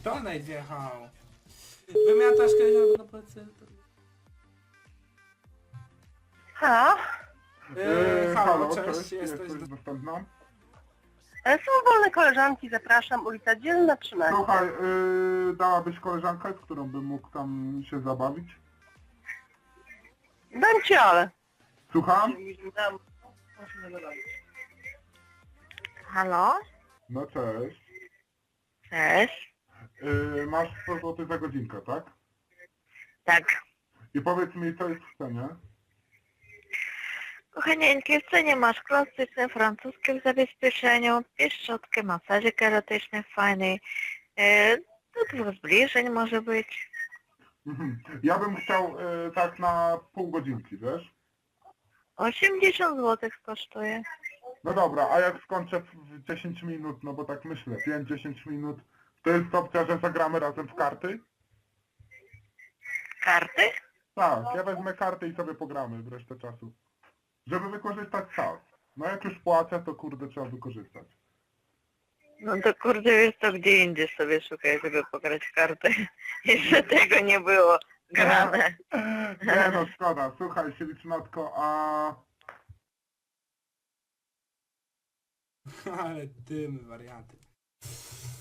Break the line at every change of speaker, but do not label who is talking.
Donate wjechał. Wymiatasz koleżankę do plecy.
Halo?
Halo, cześć, jesteś...
dostępna?
Są wolne koleżanki, zapraszam, ulica Dzielna 13.
Słuchaj, dałabyś koleżankę, z którą bym mógł tam się zabawić?
Dam ci ale.
Słucham?
Halo?
No cześć.
Cześć.
Masz 100 zł za godzinkę, tak?
Tak.
I powiedz mi, co jest w cenie?
Kochanieńki, w cenie masz klasyczne francuskie w zabezpieczeniu, pieszczotkę, masażyk erotyczny fajny, do 2 zbliżeń może być.
Mhm. Ja bym chciał tak na pół godzinki, wiesz?
80 zł kosztuje.
No dobra, a jak skończę w 10 minut, no bo tak myślę, 5-10 minut, to jest opcja, że zagramy razem w karty?
Karty?
Tak, ja wezmę karty i sobie pogramy w resztę czasu. Żeby wykorzystać czas. No jak już płacę, to kurde trzeba wykorzystać.
No to kurde, wiesz to gdzie indziej sobie szukaj, żeby pograć w karty. Jeszcze tego nie było grane.
Nie no, szkoda. Słuchaj, Silicznotko, a...
Ale dymy, warianty.